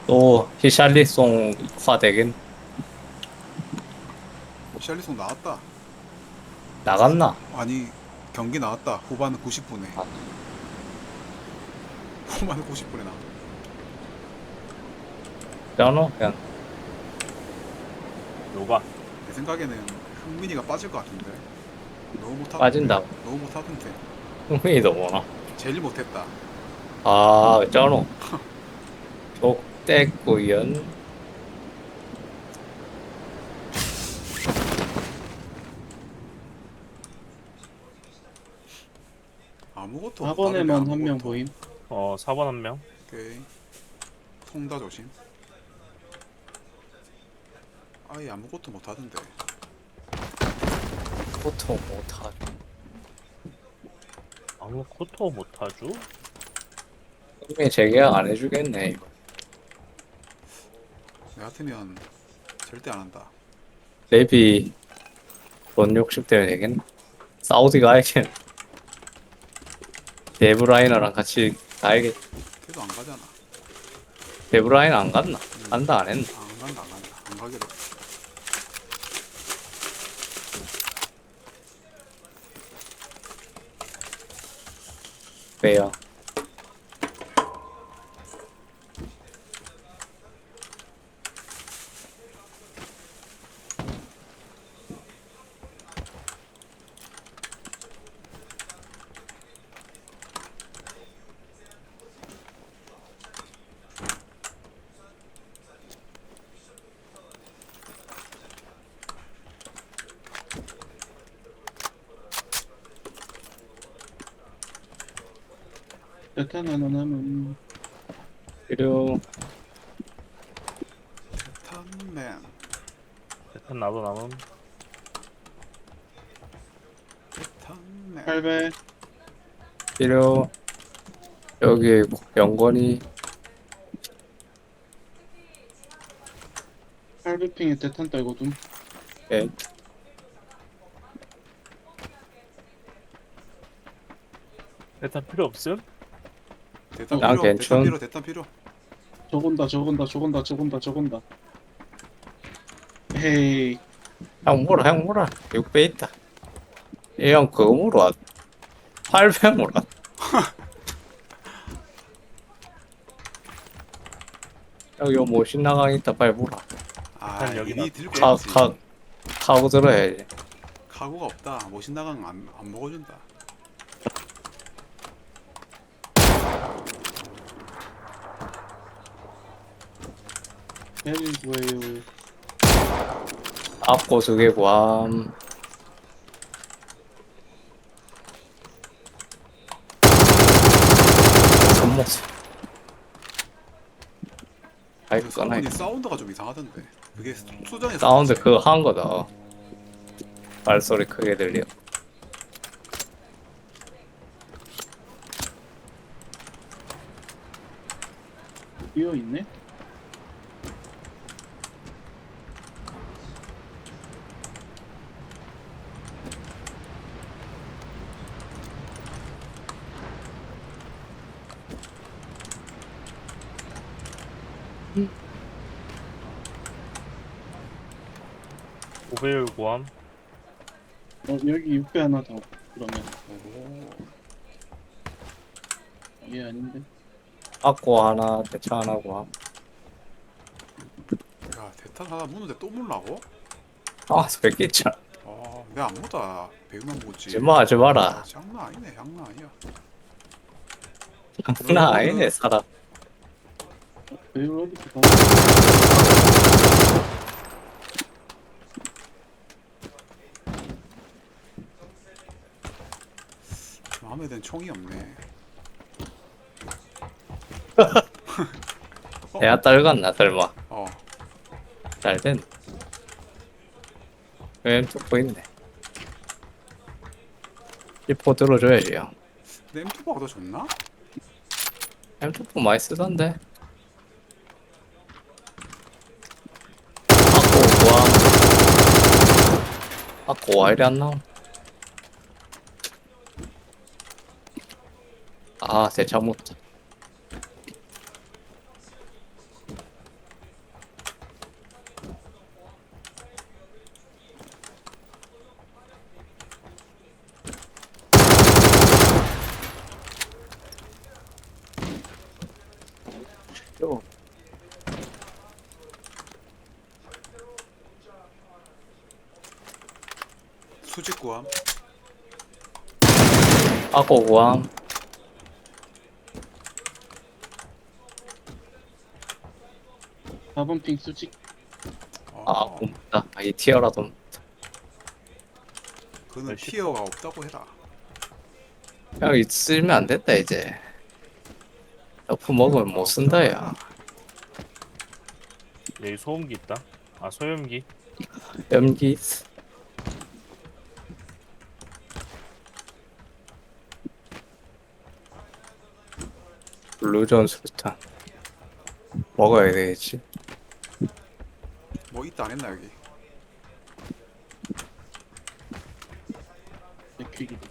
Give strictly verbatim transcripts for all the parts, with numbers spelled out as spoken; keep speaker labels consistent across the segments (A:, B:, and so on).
A: 또 히샬리송화 되긴
B: 샬리송 나왔다. 사,
A: 나갔나?
B: 아니 경기 나왔다. 후반 구십 분에.
A: 아,
B: 후반 구십 분에 나왔다.
A: 쩌노 그냥
C: 누가?
B: 내 생각에는 흥민이가 빠질 것 같은데. 너무 못하던데.
A: 빠진다고.
B: 너무 못하던데.
A: 흥민이도 뭐나?
B: 제일 못했다.
A: 아, 쩌노 족대구연.
B: 아무것도 못하던데
D: 사 번에만 한 명
B: 아무것도.
D: 보임.
C: 어, 사 번 한 명.
B: 오케이. 통다 조심. 아예 아무것도 못하던데.
A: 보통 못하.
C: 아무 코토 못하죠?
A: 흥민이 재계약 안 해주겠네 이거.
B: 내 같으면 절대 안 한다.
A: 레비 돈 욕심 때문에 되겠네. 사우디 가야겠네. 데브라이너랑 같이 가야겠.
B: 걔도 안 가잖아.
A: 데브라이너 안 갔나? 간다 안 했나?
B: 아, 안 간다 안 간다. 안 가기로.
A: 왜요?
D: 대탄 하나 남은.
A: 그리고
B: 탄맨.
C: 대탄 나도 남음.
B: 탄맨.
D: 팔 배.
A: 그리고 여기 영건이
D: 팔 배 핑에 대탄 떨거든.
A: 예,
C: 대탄 필요 없음?
B: 대탄
A: 난
B: 필요. 대탄
A: 괜찮.
B: 필요. 대탄 필요.
D: 저건다 저건다 저건다 저건다 저건다. 헤이.
A: 형 물어 형 물어 육 배 있다. 이 형 그거 물어 팔 배 물어. 여기 요 모신 나강 있다 빨리 물어.
B: 아
C: 난 여기다.
B: 이미 들고
A: 카,
B: 했지.
A: 카, 카고 들어야지.
B: 카고가 없다. 모신 나강 안, 안 먹어준다.
D: 헬 뭐예요?
A: 앞고 두개 구함. 손목 아이
B: 그
A: 꺼나.
B: 성훈이 사운드가 좀 이상하던데. 그게 수전에서
A: 사운드
B: 그렇지.
A: 그거 한 거다. 발소리 크게 들려.
D: 비어 있네.
C: 오배율 고함.
D: 어 여기 육 배 하나 더. 그러면
B: 오.
D: 얘 아닌데.
A: 앞고 하나 대차 하나 구함.
B: 야 대탄 하나 무는데 또 물라고?
A: 아 뺏기자.
B: 아 내가 안 보다. 배우만 보지.
A: 하지마 하지 마라.
B: 아, 장난 아니네. 장난 아니야.
A: 나 아니네 사람.
D: 배율 어디서 봐?
B: 마음에 든 총이 없네.
A: 내가 떨궜나 설마.
B: 어.
A: 잘된. 왜 뚫고 있네. 이포 들어줘야지 형.
B: 근데 엠투버가 더 좋나?
A: 엠투포 많이 쓰던데. 아고 와. 아고 와 이리 안 나옴. 아 대차 못. 요.
B: 수직 구함.
A: 아고 우왕.
D: 사 번 핑 수직.
A: 아,
B: 어,
A: 고맙다. 아, 이 티어라도.
B: 그는
C: 열심히.
B: 티어가 없다고 해라.
A: 야, 있으면 안 된다, 이제. 너프 먹으면 못 쓴다, 야.
C: 여기 소음기 있다. 아 소염기.
A: 염기. 블루전 수류탄. 먹어야 되겠지.
B: 뭐 있다 안 했나 여기?
D: 백퀴기도.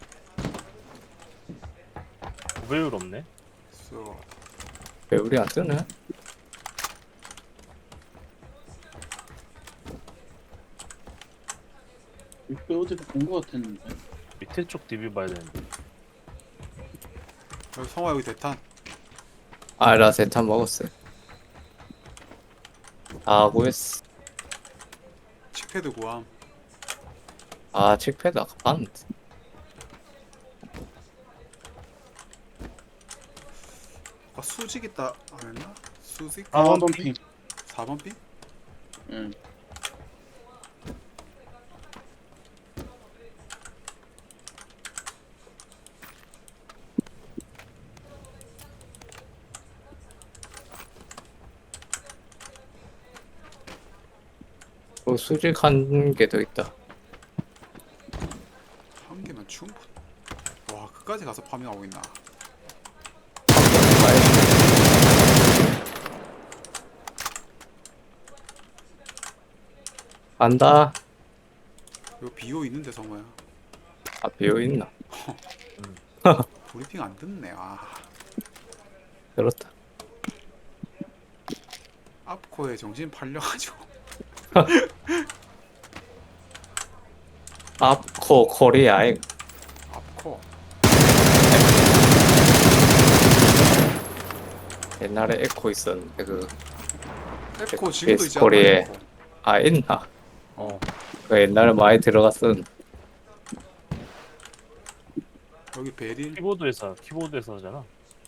C: 오배율 없네.
B: 써.
A: 왜 우리 안 뜨네?
D: 육배 어디서 본 거 같았는데.
C: 밑에 쪽 디비 봐야 되는데.
B: 여기 성화 여기 대탄.
A: 아, 나 세탄 먹었어요. 아, 구했어.
B: 칙패드 구함.
A: 아, 칙패드 아까 봤는데.
B: 아 수직 있다 안 했나? 수직?
D: 사 번 핑.
B: 사 번 핀?
D: 응.
A: 그 수직 한 개 더 있다.
B: 한 개면 충분. 와 그까지 가서 파밍하고 있나?
A: 간다.
B: 여기 비오 있는데 성화야.
A: 아, 비어있나?
B: 브리핑 안 듣네. 아
A: 그렇다.
B: 앞코에 정신 팔려가지고.
A: 앞코 코리아에
B: 앞코.
A: 옛날에 에코 있었는데 그,
B: 에코 지금도 있지
A: 코리에.
B: 않나? 에코.
A: 아, 있나?
C: 어.
A: 그 옛날에 많이 들어갔었는데.
B: 여기 베릴.
C: 키보드에서 키보드에서 하잖아.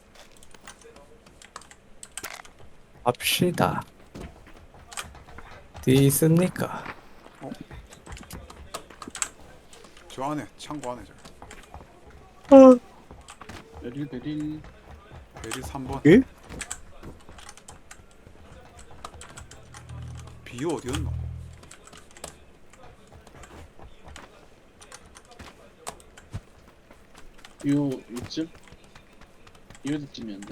A: 합시다. 어디 있습니까?
B: 저 안에 창고 안에 저.
D: 베릴 베릴.
B: 베릴 삼 번.
A: 예?
B: 비오 어디였노?
D: 요 요쯤? 이어쯤이었는데.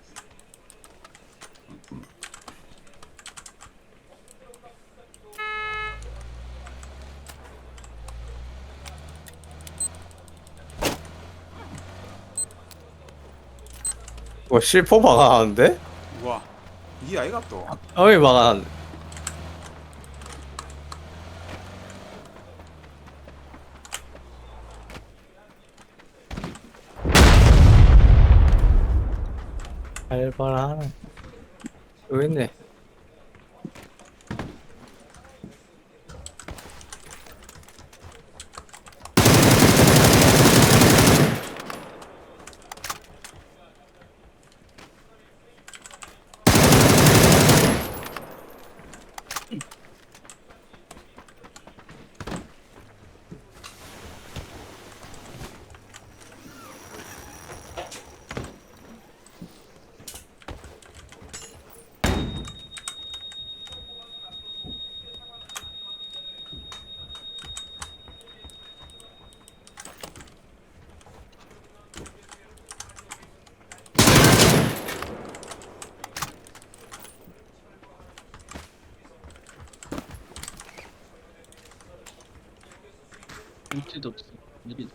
A: 뭐 실포 막아하는데?
B: 우와 이 아이가 또.
A: 어이 막아하는데. 알바라. 여기 있네.
D: 밑에도 없어. 느리다.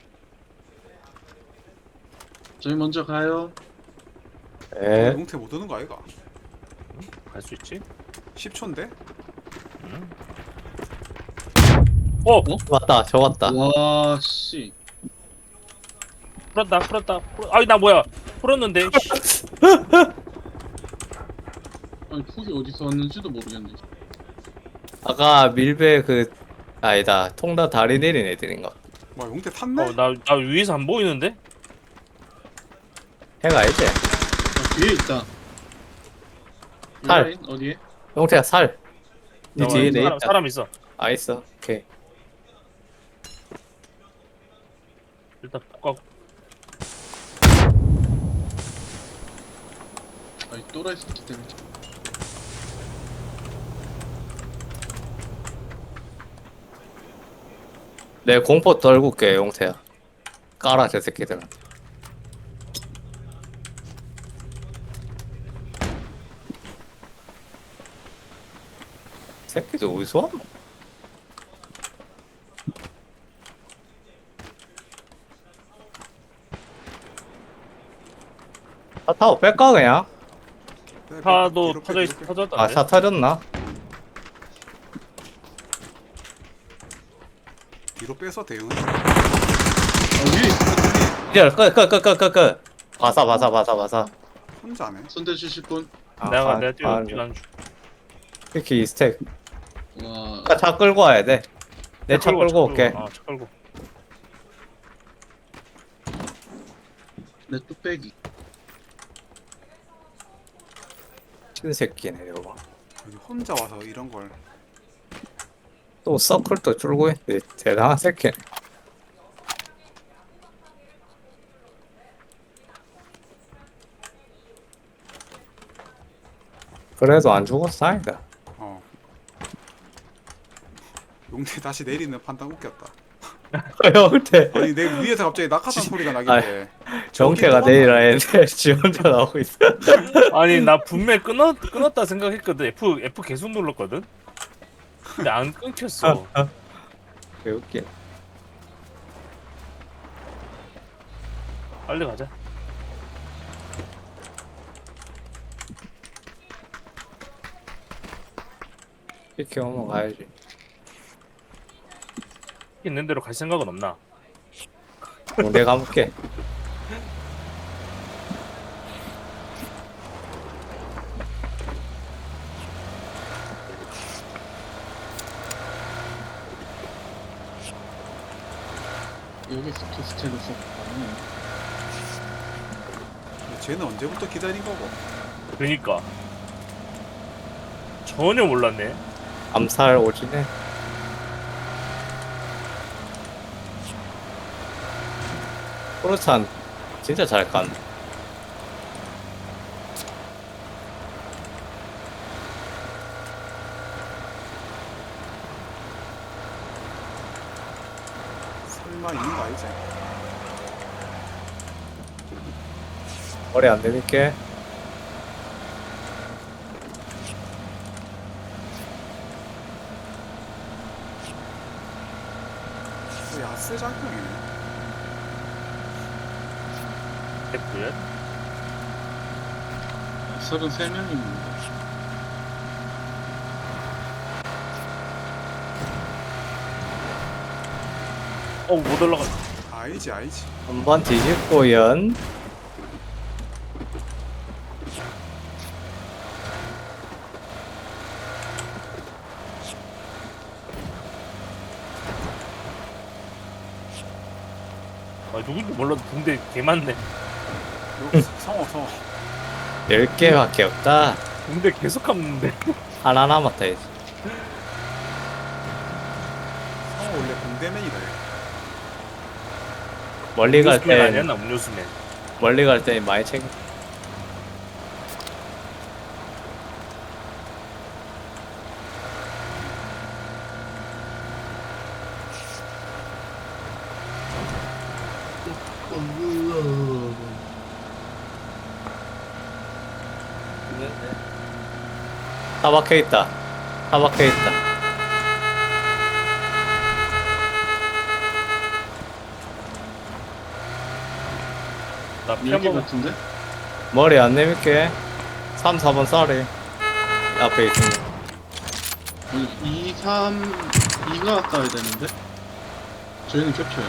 D: 저희 먼저 가요.
A: 에?
B: 용태 못 오는 거 아이가?
C: 갈 수 있지?
B: 십 초인데?
C: 어
A: 맞다. 저 같다.
D: 와 씨.
C: 풀었다 풀었다. 풀... 아이 나 뭐야? 풀었는데. 씨.
D: 아니 폭이 어디서 왔는지도 모르겠네.
A: 아까 밀배 그 아니다 통다 다리 내린 애들인가?
B: 와 용태 탔네?
C: 어나 나 위에서 안 보이는데?
A: 해가 이제
D: 아, 뒤에 있다.
A: 살.
D: 라인 어디에?
A: 용태야 살. 네
C: 야,
A: 뒤에 내
C: 사람,
A: 있다.
C: 사람 있어.
A: 아 있어. 오케이.
C: 일단 꽉.
D: 아이 또라이 새끼 때문에.
A: 내 공포 떨굴게 용태야. 까라 저 새끼들. 새끼들 어디서 왔노? 차 타고 뺄까 그냥?
B: 네,
C: 차도
B: 뒤로 빼,
C: 터져 있
B: 뒤로 빼.
C: 터졌다.
A: 아 차 터졌나?
B: 뒤로 빼서 대응.
D: 아 위에 있어.
A: 이제 끄끄끄끄끄끄 바사 바사 바사 바사.
B: 혼자네.
D: 손대 주실 분.
A: 아,
C: 내가
A: 아,
C: 내가 뛰어
A: 아,
C: 뛰어 줄.
A: 이렇게 이 스택.
D: 와.
A: 아, 차 끌고 와야 돼. 내 차 끌고 올게.
C: 아, 차 끌고.
D: 내 뚝배기.
A: 신새끼네 이거.
B: 여기 혼자 와서 이런 걸.
A: 또 서클도 줄고 있는데 대단한 새끼. 그래도 안 죽었어 아니다.
B: 어. 용태 다시 내리는 판단 웃겼다.
A: 형태
B: 아니 내 위에서 갑자기 낙하산 소리가 나길래.
A: 정태가 내리라 했는데 지 혼자 나오고 있어.
C: 아니 나 분명 끊었 끊었다 생각했거든. F F 계속 눌렀거든. 근데 안 끊겼어.
A: 왜 웃긴.
C: 빨리 가자.
A: 이렇게 오면 가야지.
C: 있는 대로 갈 생각은 없나?
A: 어, 내가 가볼게.
D: 여기서 캐스트를 써.
B: 쟤는 언제부터 기다린 거고?
C: 그러니까 전혀 몰랐네.
A: 암살 오지네. 프로찬 진짜 잘 간.
B: 설마 있는 거 알지?
A: 머리 안 내밀게.
B: 또 야스 작용이네.
C: F야?
D: 서른세 명입니다.
C: 어못 올라가.
B: 알지 알지.
A: 한번 뒤집고 연.
C: 아 누군지 몰라도 붕대 개 많네.
B: 요 성어 성어.
A: 열 개밖에 없다.
C: 붕대 계속 감는데.
A: 하나 남았다 이제.
B: 성어 원래 공대맨이다. 얘.
A: 멀리 갈
C: 음료수맨
A: 땐
C: 아니었나 음료수맨.
A: 멀리 갈 땐 많이 챙겨. 다 박혀 있다. 다 박혀 있다.
C: 나
D: 밀기
C: 피한번
D: 같은데?
A: 머리 안 내밀게. 삼, 사 번 쌀이 앞에 있습니다.
D: 아니 이, 삼, 이가 가야 되는데? 저희는 겹쳐요.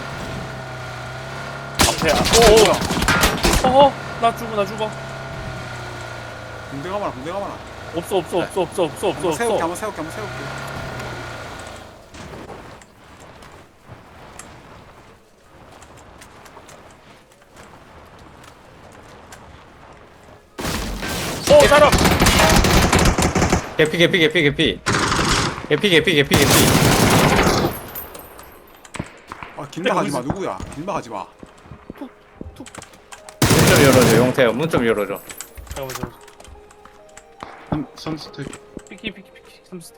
C: 앞에. 오오. 어어 나 죽어 나 죽어.
B: 공대 가마라 공대 가마라.
C: 없어 없어 없어 없어 없어 없어
B: 한번 세울게
C: 없어.
B: 한번 세울게 한번 세울게.
C: 어 사람.
A: 개피 개피 개피 개피 개피 개피 개피 개피.
B: 아 길막 하지 마 누구야? 길막 하지 마.
A: 문 좀 열어줘 용태야. 문 좀 열어줘.
C: 잠깐만 잠깐만.
D: 한 삼 스택.
C: 피키 피키 피키 삼스.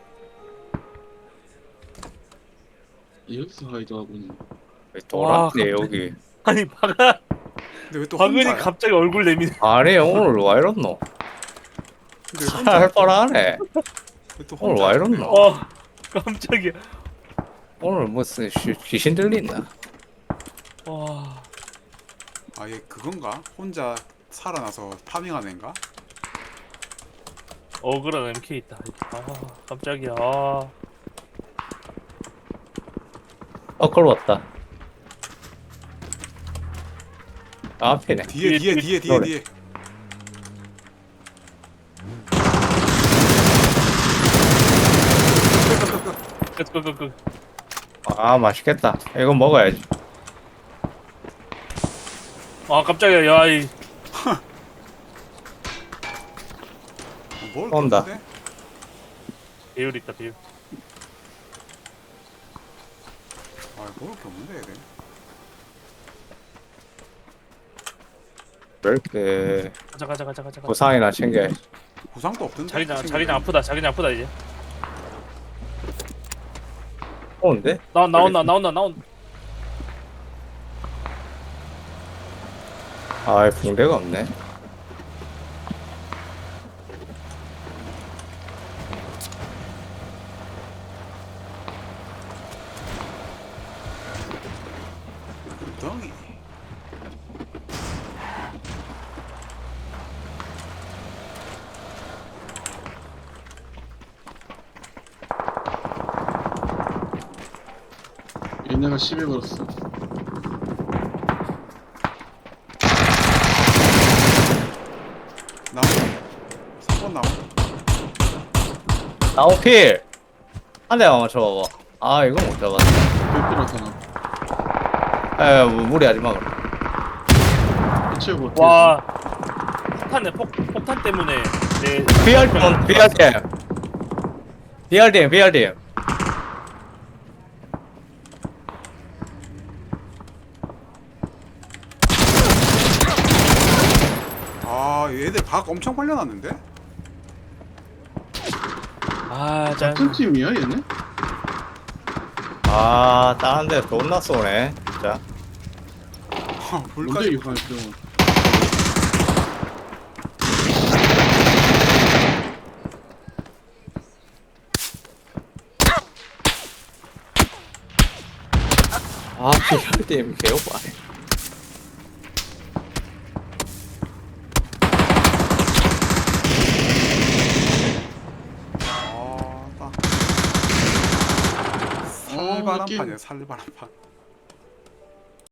D: 여기서 하이드하고 있는.
A: 왜 돌았네
C: 와,
A: 여기.
C: 아니 박아
B: 근데 왜 또
C: 박은이
B: 혼자야?
C: 갑자기 얼굴 내미네.
A: 아니 오늘 와 이렇노?
B: 근데 왜 혼자야?
A: 할 뻔하네.
B: 왜또
A: 오늘
B: 혼자?
A: 와 이렇노?
C: 어 깜짝이야.
A: 오늘 무슨 귀- 귀신 들린다.
C: 와.
B: 아얘 그건가? 혼자 살아나서 파밍하는 애인가?
C: 억울한 엠케이 있다. 아 깜짝이야. 아.
A: 어 걸어 왔다. 앞이네.
B: 뒤에 뒤에 뒤에 뒤에
A: 노래.
B: 뒤에.
C: 끄끄끄끄.
A: 아 맛있겠다. 이거 먹어야지.
C: 아 깜짝이야. 야이.
B: 뭘
A: 온다.
B: 건데?
C: 배율 있다 배율.
B: 아 먹을 게 없는데 얘네.
A: 왜 이렇게
C: 가자 가자 가자 가자. 가자.
A: 보상이나 챙겨야지.
B: 구상도 없던데.
C: 자기장
B: 친구들.
C: 자기장 아프다. 자기장 아프다 이제.
A: 오는데?
C: 나 나온다 나온다 나온.
A: 아 붕대가 없네.
B: 덩이.
D: 얘네가 십에 걸었어.
B: 나무. 삼 번 나무.
A: 나오필 한 대만 맞춰봐봐. 아 이거 못 잡았네.
D: 뺄필하잖아.
A: 에 뭐, 무리하지 마 그럼.
D: 해치우고 어떻게
C: 와. 폭탄네 폭 폭탄 때문에 내.
A: 비알팀 비알팀 비알팀 비알팀.
B: 아 얘들 각 엄청 벌려놨는데?
C: 아 짠.
D: 같은 팀이야 얘네?
A: 아 다른 데 존나 쏘네 진짜.
D: 뭔데
B: 불까지.
D: 이 화염병은?
A: 아 비알팀 개오바네.
B: 아 딱.
D: 어,
B: 살바람판이야
D: 느낌.
B: 살바람판.